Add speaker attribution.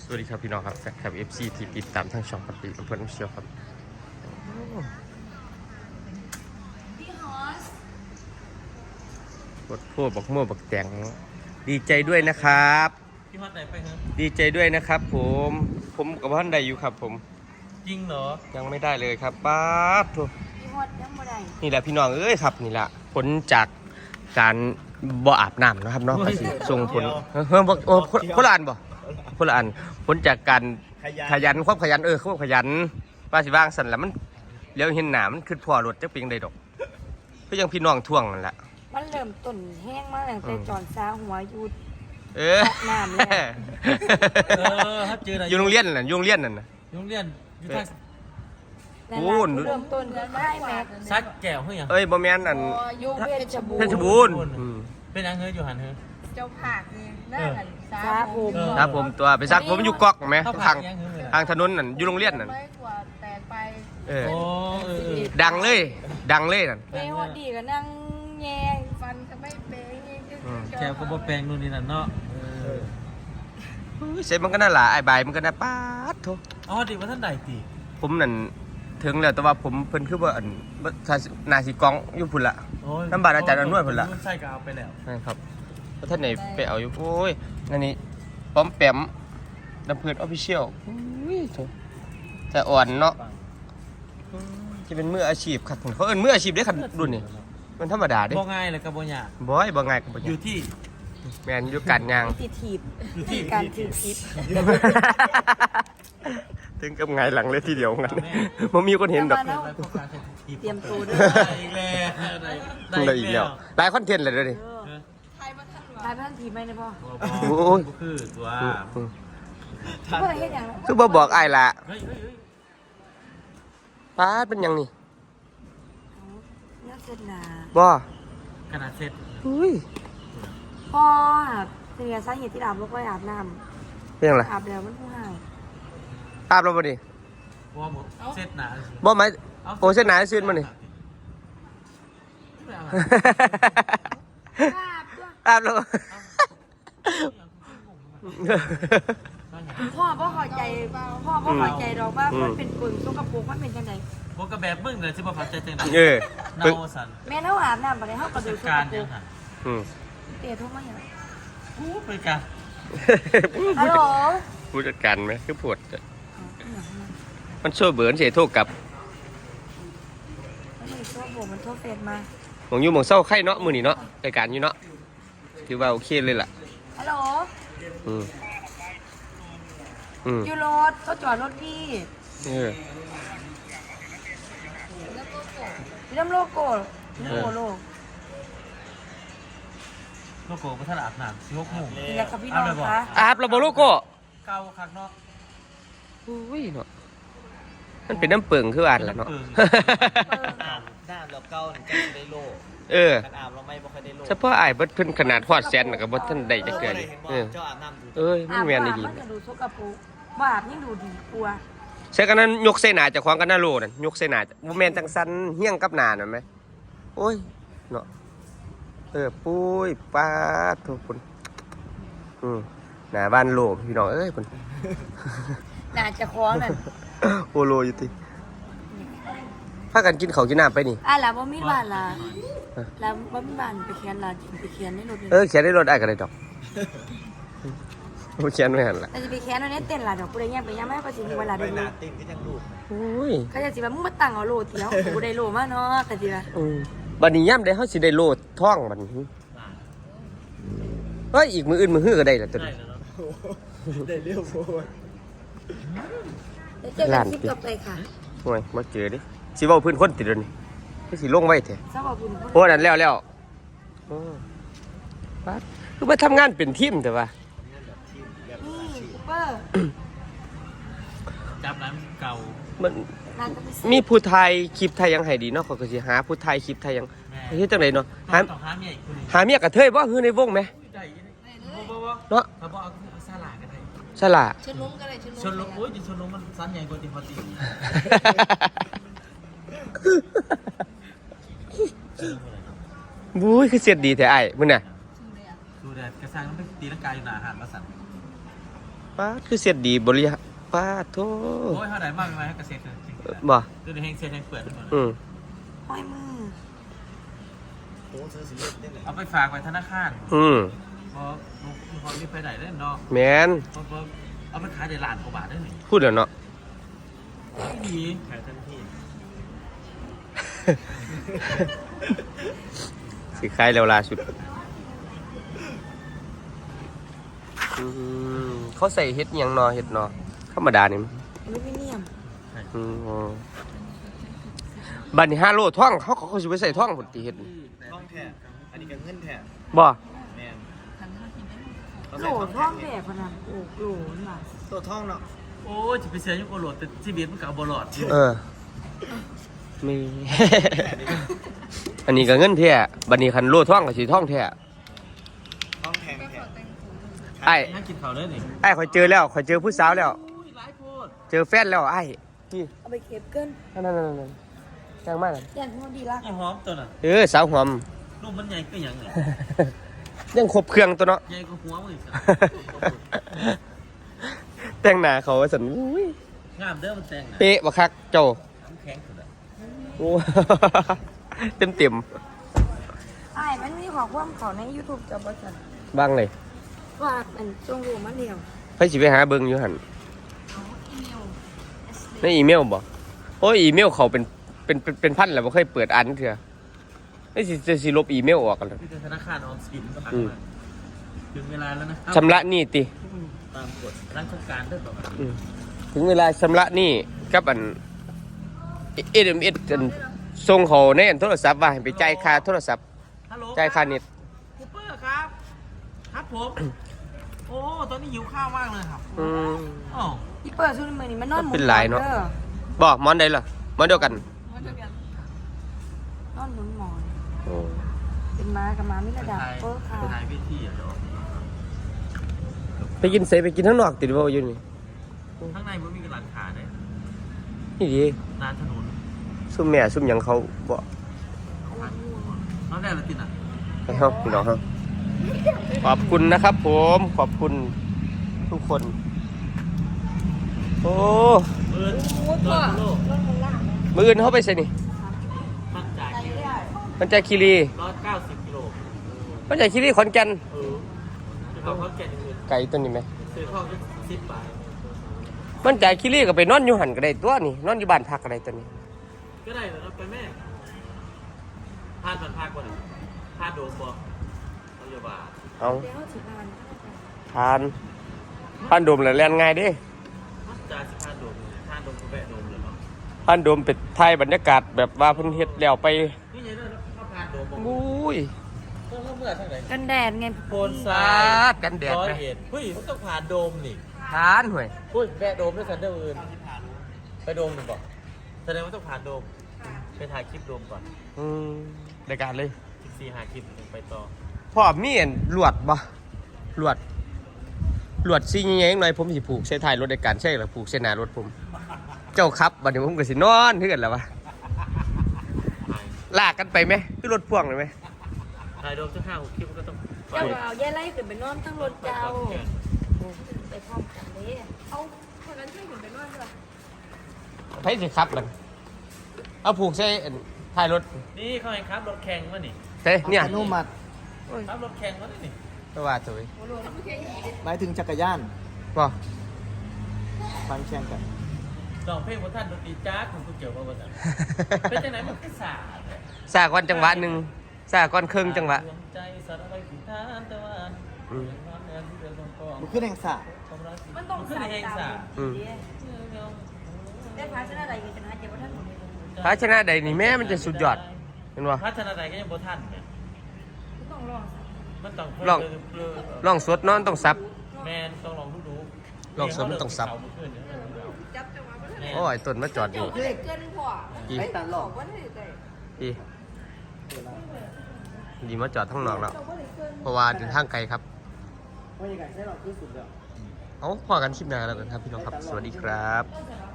Speaker 1: วัสดีครับพี่น้องครับแฟนคลับ FC ที่ติดตามทั้งช่องกับปีกับเพื่อนเชียวครับบทพูดบักมั่วบักแตงดีใจด้วยนะครับ
Speaker 2: พี่ฮอตไหนไปฮะ
Speaker 1: ดีใจด้วยนะครับผมกับท่านใดอยู่ครับผม
Speaker 2: จริงเหรอ
Speaker 1: ยังไม่ได้เลยครับป้าบทุ
Speaker 3: พี่ฮอตยังไม่ได้
Speaker 1: นี่แหละพี่น้องเอ้ยครับนี่แหละผลจากการบ่อาบน้ำนะครับเนาะส่งผลคนละอันบ่คนละอันผลจากการขยันความขยันความขยันว่าสิว่างสั่นแล้วมันเลี้ยวเห็นหนามันขึ้นพอรถจักเพียงใดดอกก็ยังพี่น้องท่วงนั่นแหละ
Speaker 3: มันเริ่มต้นแห้งมากตั้งแต่จอนซาหัวยูดน้ำเลย
Speaker 2: ครับเจออะไร
Speaker 1: อยู่โรงเรียนน่ะอยู่โรงเรียนนั่นน่ะ
Speaker 2: โรงเรียนอยู่ทาง
Speaker 1: โอ้
Speaker 3: เริ่มต้นกันได้แม็ก
Speaker 2: ซัดแก้วเฮ้ย
Speaker 1: บ่แม่นนั่น
Speaker 3: ยูเพชรบู
Speaker 1: รณ์
Speaker 2: เป็นยังเฮ้ยอยู่หันเฮ้ย
Speaker 3: เจ้าผักนี่น่ากันซาผม
Speaker 1: ครับผมตัวไปซักผมอยู่ก๊อกไหมทางถนนนั่นอยู่โรงเรียนนั่น
Speaker 3: ไม่กว่าแตกไป
Speaker 1: ดังเลยนั่น
Speaker 3: เปย์ฮอตดีก็นั่งแย่ฟันก็ไม่เปย์
Speaker 2: แก้วก็บ่แปลงนู่นนี่นั่นเนาะ
Speaker 1: เสร็จมันก็น่าหละไอ้ใบมันก็น่าป๊าดโถ
Speaker 2: อ๋อดิว่าท่านใดตี
Speaker 1: ผมนั่นถึงแล้วแต่ว่าผมเพิ่นคือว่าอันนาสีกองอยู่พุ่นละน้ำบาดอาจารย์อนวดพุ่นละ
Speaker 2: ใช่ก็เอาไปแล้ว
Speaker 1: ครับท่านไหนไปเอาอยู่โอ้ยนั่นนี่ป้อมแปมน้ำเพื่อนออฟฟิเชียลจะอ่อนเนาะที่เป็นมืออาชีพครับเขาเอิ้นมืออาชีพได้ขัดรุ่นนี่มันธรรมดาเด้
Speaker 2: บ่ง่ายเลยกับบ่ยาก
Speaker 1: บ่ง่ายกับบ่ยาก
Speaker 2: อยู่ที่
Speaker 1: แมนอยู่การยาง
Speaker 3: ติดถีบที่การถือพิษ
Speaker 1: ถึงกับไงหลังเลยทีเดียวงั้นมันมีคนเห็นดอก
Speaker 3: เตรียมตัวด้วย
Speaker 1: ได้อีกแล้วหลายคอนเทนต์เลยด้วยดิ
Speaker 3: ทายพันทีไหมเนี่ยพ่อ
Speaker 1: โอ้ย
Speaker 2: คือตัว
Speaker 1: คือบ่บอกไอ้ละป้าเป็นยังนี่
Speaker 3: น่าเสร็จนะ
Speaker 1: บ่
Speaker 2: ขนาดเสร็จ
Speaker 3: พ่อเป็นไงสาเหตุที่อาบลูกไว้อาบน้
Speaker 1: ำเป็นยังไง
Speaker 3: อาบแล้วมันผู้ให้
Speaker 1: อาบแล้วบ่ดิ
Speaker 2: บ่เสร็จหนา
Speaker 1: บ่ไหมโอ้เส้นหนาซื่นมานี่อาบแล้ว
Speaker 3: พ่อเข้าใจดอกว่ามันเป็นปึ่งสกปรกมันเป็นจังได๋
Speaker 2: บ่ก็แบบมึงเลยสิบ่เข้าใจจังได๋เนาสั่น
Speaker 3: แม่เฮาอาบน้ำบ่ได้เฮาก็ดูสกปรกเตะโทรมาหยัง
Speaker 2: กูไปกัน
Speaker 3: ฮัลโหล
Speaker 1: ผู้จัดการมั้ยคือปวดมันโซ่เบิร์นเสียโทษกับ
Speaker 3: มันโทษเฟซมา
Speaker 1: หมองอยู่หมองเศร้าไข่เนาะมือนี่เนาะรายการอยู่เนาะถือว่าโอเคเลยล่ะ
Speaker 3: ฮัลโหลอยู่รถเขาจอดรถพี่เริ่มโลโก้โล
Speaker 2: โก้พัฒนาอาบน้ำ16 โมง
Speaker 3: นี่แหละครับพี่น้องคะ
Speaker 1: อาบระบบโลโก้
Speaker 2: เก่าคักเนาะ
Speaker 1: อุ้ยเนาะมันเป็นน้ำเปิงคืออ่านแล้วเนาะ
Speaker 2: น้ำเราเก่าถึงจะได้โลการอาบเราไม่ค่อยได้โล
Speaker 1: เฉพาะไอ้บัดเพิ่นขนาดฮอดแสนกับบัดท่านใดจะเกิด
Speaker 2: เจ้าอาบน้ำ
Speaker 1: มันแม่นดี
Speaker 3: มันดูสกปรกบ่อาบยิ่งดูดีกลัว
Speaker 1: ใช่กันนั้นยกเส้นหนาจากของกันหน้าโลนั่นยกเส้นหนาบ่แม่นจังซั่นเฮี้ยงกับหน้านั่นมั้ยโอ้ยเนาะปุ้ยป้าทุกคนหน้าบ้านโลพี่น้องเอ้ยพุ่น
Speaker 3: น่าจะคล้องนั่น
Speaker 1: โอโลอยู่ติพากันกินข้าวกินน้ำไปนี่
Speaker 3: ล่ะบ่มีบ้านล่ะแล้วบ่มีบ้านไปเขียนล่ะไปเขียนในรถ
Speaker 1: เขียนในรถได้ก็ได้ดอกบ่เขียนไว้หั่นล่ะ
Speaker 3: แต่สิไปเขียนในเต้นล่ะดอกผู้ใดแย่งไปย่างมาก็สิมีเวลาได้ดู
Speaker 2: เต้นก็ยังลูก
Speaker 1: โอ้ย
Speaker 3: เขาจะสิว่ามึงมาตั้งเอาโลเที่ยวบ่ได้โลมาเนาะก็สิว่า
Speaker 1: บัดนี้ยามใดเฮาสิได้โลท้องบัดนี้เฮ้ยอีกมื้ออื่นมื้อฮื้อก็ได้ล่ะตัวนี้
Speaker 2: ได้เรียวโพด
Speaker 3: เจอกันคลิปต่อไปค่ะ
Speaker 1: โอ้ยมาเจอดิสิเว้าพื้นคนติดเดี๋ยวนี้สิลงไว้แท้
Speaker 3: สวัสดี
Speaker 1: โอ้นั่นแล้วปั๊ดคือมาทำงานเป็นทีมแต่ว่า
Speaker 3: นี่ซูเปอร์
Speaker 2: จับน้ำเก่า
Speaker 1: มันมีผู้ไทยคลิปไทยยังให้ดีเนาะเขาก็สิหาผู้ไทยคลิปไทยยังเฮ็ดจังได๋เนาะหาเมียกระเทยบ่ฮือในวงมั้ยเนาะ
Speaker 2: ถ้าบ่เอาซาลาก็ได้
Speaker 1: ซาลา
Speaker 3: ชนลงก็ได้
Speaker 2: ชนลงโอ้ยชนลงมันสั้นใหญ่กว่าที่พอตี
Speaker 1: บุ้ยคือเสียดดีแท้ไอ้มึงน่ะ
Speaker 2: ดูแดดกระซังมันตีร่างกายอยู่หนาหันมาสั่น
Speaker 1: ป้าคือเสียดดีบริหารป้าโธ่
Speaker 2: โอ้ยเท่าไหร่มากไหมเกษตรจริง
Speaker 1: บ่
Speaker 2: คือแห้งเสียแห้งเปิดทั้งหมด
Speaker 3: ห้อยมือ
Speaker 4: โอ้ซื้อสิเล็ดได้เลย
Speaker 2: เอาไปฝากไว้ธนาคาร เพราะลูกเขาไม่ไปไหนได้เนาะ
Speaker 1: แมน
Speaker 2: เพราะเอาไปขายในร้านกว่าบาทได้หนิ
Speaker 1: พูดเดี๋ยวเนาะ
Speaker 2: ไม่ดีขายทันที
Speaker 1: สิขายแล้วล่าสุดเขาใส่เฮ็ดหยังเนาะเฮ็ดเนาะธรรมดานี่
Speaker 3: อลูมิเนียม
Speaker 1: บัดนี้5 โลท่องเขาสิไปใส่ท่องพุ่นติเฮ็ด
Speaker 4: ท่องแท้อันนี้ก็เงินแท้
Speaker 1: บ่
Speaker 4: แมน
Speaker 3: โหลท่องแบบพนันโอ้โหน่ะ
Speaker 4: ตัวท่องเนาะ
Speaker 2: โอ้ยจะไปเสียยุคโอโหลดแต่ชีวิตมันกับบอลอด
Speaker 1: มี อันนี้ก็เงินแท้บัดนี้คันโลท่องก็สิท่องแท้
Speaker 4: ท่องแทงแท้
Speaker 1: ไอ้
Speaker 2: น่ากินข้าวได้หนิ
Speaker 1: ไอ้ข่อยเจอแล้วข่อยเจอผู้สาวแล้ว
Speaker 2: หลายโพด
Speaker 1: เจอแฟนแล้วไอ้นี่
Speaker 3: เอาไปเก็บเกิน
Speaker 1: นั่นจังมากเลย
Speaker 3: อย่างที่ดีละ
Speaker 2: ไอ้หอมตัวน่ะ
Speaker 1: สาวหอม
Speaker 2: ลูกมันใหญ่ก็ยังไง
Speaker 1: ยังครบเครื่องตัวเนาะ
Speaker 2: ใหญ่ก็หัวมึง
Speaker 1: แต่งหน้าเขาว่าสันอุ้ย
Speaker 2: งามเด้อมันแต่งนะ
Speaker 1: เป๊ะบักคักเจ้า
Speaker 2: น้ำแข็งสุดอะ
Speaker 1: โอ้ เต็ม
Speaker 3: ไอ้มันมีของความเขาใน YouTube จะบ่จัน
Speaker 1: บ้างเลย
Speaker 3: ว่ามันจงรู้มันเดียว
Speaker 1: ไปสิไปหาเบิ่งอยู่หั่นในอีเมลบ่โอ้ยอีเมลเขาเป็นพันแล้วบ่เคยเปิดอ่านเทื่อนี่สิลบอีเมลออกกันแล้ว
Speaker 2: ที่ธนาคารออมสินก็หักมาถึงเวลาแล้วนะ
Speaker 1: ชำระหนี้ติ
Speaker 2: ตามกฎร้านโครงการด้วยบอก
Speaker 1: ถึงเวลาชำระหนี้กับอัน SMS อันส่งเขาในอันโทรศัพท์ว่าให้ไปจ่ายค่าโทรศัพท์
Speaker 2: ฮัลโหล
Speaker 1: จ่ายค่าเน็ต
Speaker 2: คูเปอร์ครับ ครับผม โอ้ ตอนนี้หิวข้าวมากเลยครับอ๋อ
Speaker 3: อีเปิดซุนมือนี่มันนอนหมุ
Speaker 1: เป็นหลายเนาะ บ่หมอนใดล่ะหมอนเดียวกัน
Speaker 3: นอนหมุนหมอนเป็นม้ากับม้ามิระดับเปิ้ลค่ะ
Speaker 2: ถ่ายวิธีอ่ะเดี๋ยว
Speaker 1: ไปกินเสไปกินข้างนอกติดบ่อยู่นี่
Speaker 2: ข้างในมันมีกระหลังขาเนี่ย
Speaker 1: นี่ดี
Speaker 2: ร้านถนน
Speaker 1: ซุ่มแม่ซุ่มหยังเขาบ่
Speaker 2: น้องแดนละติดอ่ะ
Speaker 1: ให้เฮาพี่น้องเฮาขอบคุณนะครับผมขอบคุณทุกคน โอ้
Speaker 2: เบิร์ดโลกโลก
Speaker 1: มื้ออื่นเฮาไปไสนี่
Speaker 2: มันจ่าย
Speaker 1: มันใจคีรี
Speaker 2: 190 กิโล
Speaker 1: มันใจคีรีขอนแก่น
Speaker 2: เขาแก่นเงิน
Speaker 1: ไกลตัวนี้ไหม
Speaker 2: ซื้อข้าวก็10 บาท
Speaker 1: มันใจคีรีก็ไปนอนอยู่หั่นก็ได้ตัวนี่นอนอยู่บ้านพักก็ได้ตัวนี้
Speaker 2: ก็ได้แล้วไปแม่พาดมันพาดก่อนพาดโดมบอกเอาอย่าบา
Speaker 1: เอา
Speaker 3: เดี๋ยวสิบาน
Speaker 1: ทานโดมแล้วแล่นง่ายเด้
Speaker 2: จ่าย10 พาดโดมพาดโดมก็แบะโดมเลยเนาะ
Speaker 1: ทานโดมเป็นถ่ายบรรยากาศแบบว่าเพิ่นเฮ็ดแล้วไป
Speaker 2: นี่ไงเด้อข้าวพาดโดมบอก
Speaker 1: อุ้ย
Speaker 2: เมื่อทั้งไหน
Speaker 3: กันแดดไง
Speaker 2: โพน
Speaker 1: สา
Speaker 2: ซ้าย
Speaker 1: ดกันแดด
Speaker 2: ร้อย
Speaker 1: ไหม
Speaker 2: เอ็ดเฮ้ยมันต้องผ่านโดมนี่
Speaker 1: ทานห่วย
Speaker 2: อุ้ยแบะโดมด้วยกันเด้ออื่นไปโดมหนึ่งบอกแสดงว่าต้องผ่านโดมไปถ่ายคลิปโดมก่อน
Speaker 1: รายการเลย
Speaker 2: 14 หาคลิปถึงไปต่อ
Speaker 1: พ่อมีอันลวดบ่ลวดซี่ใหญ่ๆหน่อยผมสิผูกใส่ท้ายรถในการใช่หรือผูกเส้นหน้ารถผม เจ้าครับบัดนี้ผมก็สินอนคือกันแล้ววะลากกันไปไหมคือรถพ่วงเลยไหม
Speaker 2: ถ่ายโดมสัก5-6 คลิปมันก็ต้อง
Speaker 3: เจ้าเอาแย่ไล่ขึ้นไปนอนทั้งรถเจ้าไปพร้อมกันเลยเอาคนนั้นช่วยขึ้นไปนอนด้วย
Speaker 1: ไผสิครับมันเอาผูกใส่อันท้ายรถ
Speaker 2: นี่เขาให้ครับรถแข่งมานี่
Speaker 1: เฮ้เนี่ย
Speaker 4: อนุมัติ
Speaker 2: ครับรถแข่งมานี่
Speaker 1: ก็ว่าตัว
Speaker 4: หมายถึงจักรยาน
Speaker 1: บ่
Speaker 4: ฟังแข่งกัน
Speaker 2: ลองเพลงของท่านดนตรีจ้าของกูเกี่ยวกับว่าเป็นจังไหนมันก็สาด
Speaker 1: สากอนจังหวะหนึ่งสากอนครึ่งจังหวะ
Speaker 2: ใจสารพัดผิดทานตะวัน
Speaker 4: มันขึ้นแห่งสระ
Speaker 3: มันต้อง
Speaker 2: ขึ้น
Speaker 3: สาย
Speaker 2: เอง
Speaker 3: ตา
Speaker 2: สา
Speaker 3: ได้พาชนะใดกันชนะเจ้าท่าน
Speaker 1: ภาชนะใดนี่แม่มันจะสุดยอดเห็นบ่
Speaker 2: พัฒนาใดก็ยังบ่ทันเนี่ย
Speaker 3: ต้องลอง
Speaker 2: มันต้อง
Speaker 1: ลองสดนอนต้องซับ
Speaker 2: แมนต้องลองดู
Speaker 1: ลองสดมันต้องซับ
Speaker 3: จับจังหวะมัน
Speaker 1: โอ้ยต้นมาจอดอยู่
Speaker 3: เกินกว่า
Speaker 1: อี
Speaker 4: ไอ้ตันหลอก
Speaker 3: วันนี้ได้
Speaker 1: อีดีมาจอดทั้งนอกแล้ว เพราะว่าเดินทางไกลครับ
Speaker 4: ว่ายังไงใช่หรอกที่สุดแล้ว
Speaker 1: เอาพอกันคลิปหน้าแล้วกันครับพี่น้องครับ สวัสดีครับ
Speaker 3: ก็จะ